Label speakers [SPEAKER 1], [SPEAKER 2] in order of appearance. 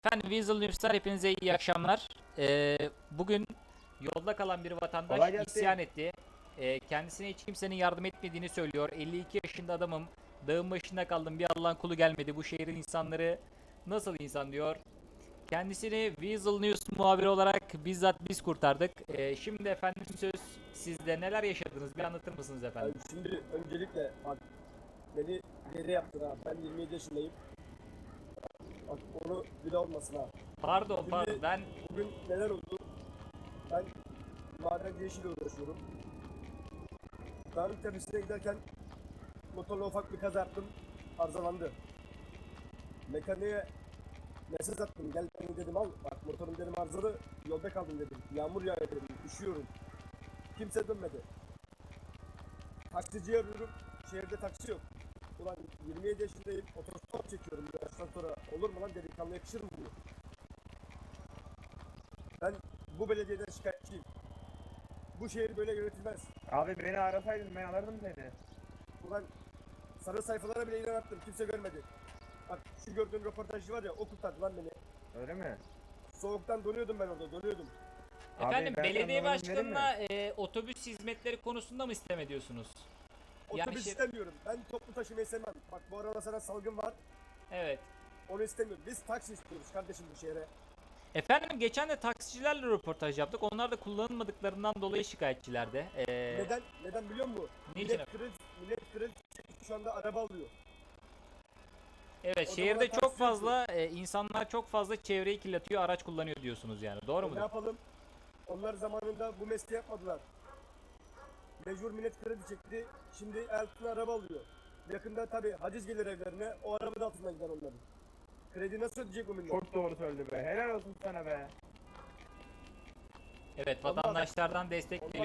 [SPEAKER 1] Efendim Weasel News'tar hepinize iyi akşamlar. Bugün yolda kalan bir vatandaş
[SPEAKER 2] Kolay gelsin.
[SPEAKER 1] isyan etti. Kendisine hiç kimsenin yardım etmediğini söylüyor. 52 yaşında adamım. Dağın başında kaldım. Bir Allah'ın kulu gelmedi. Bu şehrin insanları nasıl insan diyor. Kendisini Weasel News muhabiri olarak bizzat biz kurtardık. Şimdi efendim söz sizde, neler yaşadınız bir anlatır mısınız efendim?
[SPEAKER 2] Yani şimdi öncelikle bak beni geri yaptın ha. Ben 27 yaşındayım. Bak onu bir de olmasın ha.
[SPEAKER 1] Pardon pardon, ben
[SPEAKER 2] Bugün neler oldu? Ben madenci işiyle uğraşıyorum. Dağın tepesine giderken motorla ufak bir kaza yaptım. Arızalandı. Mekaniğe mesaj attım. Gel beni dedim al. Bak motorum dedim arızalı. Yolda kaldım dedim. Yağmur yağıyor dedim. Üşüyorum. Kimse dönmedi. Taksiciyi arıyorum. Şehirde taksi yok. Ulan 27 yaşındayım. Otostop çekiyorum bu yaştan sonra. Olur mu lan, delikanlı yakışır mı bu? Ben bu belediyeden şikayetçiyim. Bu şehir böyle yönetilmez.
[SPEAKER 3] Abi beni arasaydın ben alırdım seni.
[SPEAKER 2] Ulan sarı sayfalara bile ilan attım. Kimse görmedi. Bak şu gördüğün röportajcı var ya, o kurtardı lan beni.
[SPEAKER 3] Öyle mi?
[SPEAKER 2] Soğuktan donuyordum ben orada, donuyordum.
[SPEAKER 1] efendim
[SPEAKER 3] ben
[SPEAKER 1] belediye
[SPEAKER 3] sana numaramı vereyim mi?
[SPEAKER 1] başkanına otobüs hizmetleri konusunda mı istem ediyorsunuz? Yani
[SPEAKER 2] Otobüs
[SPEAKER 1] şey-
[SPEAKER 2] istemiyorum. Ben toplu taşımayı sevmem. Bak bu arada sana salgın var.
[SPEAKER 1] Evet.
[SPEAKER 2] Onu istemiyorum. Biz taksi istiyoruz kardeşim bu şehre.
[SPEAKER 1] Efendim geçen de taksicilerle röportaj yaptık. Onlar da kullanılmadıklarından dolayı şikayetçilerdi.
[SPEAKER 2] Neden biliyor musun?
[SPEAKER 1] Niçin?
[SPEAKER 2] Millet kriz şu anda araba alıyor.
[SPEAKER 1] Evet,
[SPEAKER 2] o
[SPEAKER 1] şehirde
[SPEAKER 2] zaman
[SPEAKER 1] çok
[SPEAKER 2] taksi
[SPEAKER 1] fazla insanlar çok fazla çevreyi kirletiyor, araç kullanıyor diyorsunuz yani. Doğru
[SPEAKER 2] Ne
[SPEAKER 1] mudur?
[SPEAKER 2] yapalım? Onlar zamanında bu mesleği yapmadılar. Mecbur millet kredi çekti. Şimdi altına araba alıyor. Yakında tabi haciz gelir evlerine. O araba da altından gider onların. Kredi nasıl ödeyecek bu millet?
[SPEAKER 3] Çok doğru söyledi be. Helal olsun sana be.
[SPEAKER 1] Evet,
[SPEAKER 2] Vallahi
[SPEAKER 1] vatandaşlardan destek
[SPEAKER 2] Onlar
[SPEAKER 1] geliyor.